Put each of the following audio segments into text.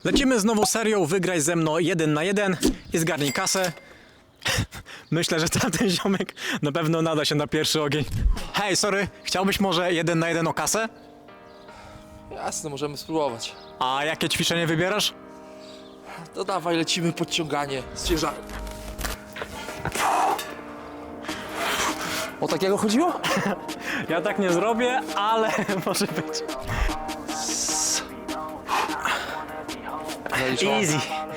Lecimy z nową serią Wygraj ze mną 1 na 1 i zgarnij kasę. Myślę, że tamten ziomek na pewno nada się na pierwszy ogień. Hej, sorry, chciałbyś może 1 na 1 o kasę? Jasne, możemy spróbować. A jakie ćwiczenie wybierasz? To dawaj, lecimy podciąganie z ciężarem. O takiego chodziło? Ja tak nie zrobię, ale może być. Zaliczone. Easy.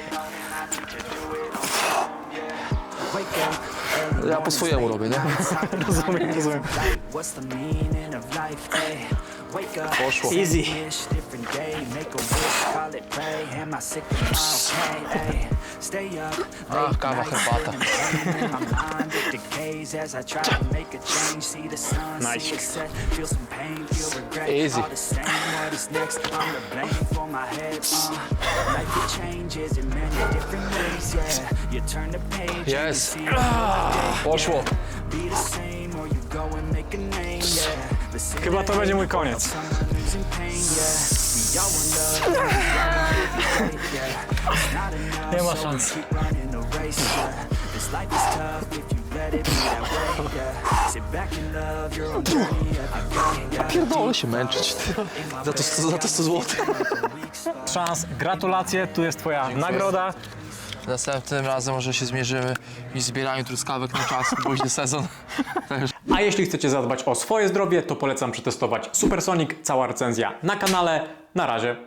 Ja po swojemu robię, nie? Rozumiem. Poszło. Easy. Ach, kawa, herbata. Nice. Easy. Jest. Poszło. Chyba to będzie mój koniec. Nie ma szans. Pierdolę się męczyć. Za to 100 zł. Szans, gratulacje, tu jest twoja nagroda. Następnym razem może się zmierzymy i zbieraniu truskawek na czas, późny sezon. A jeśli chcecie zadbać o swoje zdrowie, to polecam przetestować Supersonic, cała recenzja na kanale. Na razie.